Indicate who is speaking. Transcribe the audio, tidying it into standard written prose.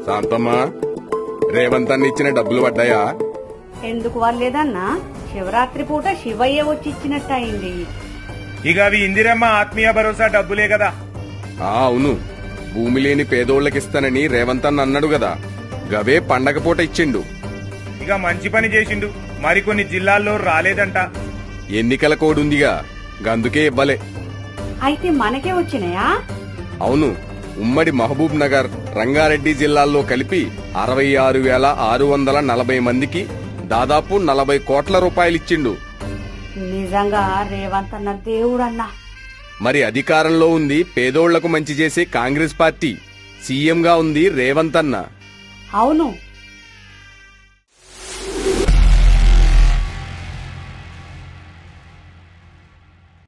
Speaker 1: శాంతమ్మా, రేవంత్ అన్న ఇచ్చిన డబ్బులు పడ్డాయా?
Speaker 2: ఎందుకు వాళ్ళేదన్నా? శివరాత్రి పూట శివయ్య వచ్చి ఇచ్చినట్టు అయింది.
Speaker 3: ఇక అవి ఇందిరమ్మ ఆత్మీయ భరోసా డబ్బులే కదా.
Speaker 1: అవును, భూమి లేని పేదోళ్లకిస్తానని రేవంత్ అన్న అన్నాడు కదా, గవే పండగ పూట ఇచ్చిండు.
Speaker 3: ఇక మంచి పని చేసిండు. మరికొన్ని జిల్లాల్లో రాలేదంట.
Speaker 1: ఎన్నికల కోడ్ ఉందిగా, గందుకే ఇవ్వలే.
Speaker 2: అయితే మనకే వచ్చినాయా?
Speaker 1: అవును, ఉమ్మడి మహబూబ్ నగర్, రంగారెడ్డి జిల్లాల్లో కలిపి 66,640 మందికి దాదాపు 40 కోట్ల రూపాయలిచ్చిండు.
Speaker 2: నిజంగా రేవంత్ అన్న దేవుడన్నా.
Speaker 1: మరి అధికారంలో ఉంది పేదోళ్లకు మంచి చేసే కాంగ్రెస్ పార్టీ, సీఎంగా ఉంది రేవంత్ అన్న.
Speaker 2: అవును,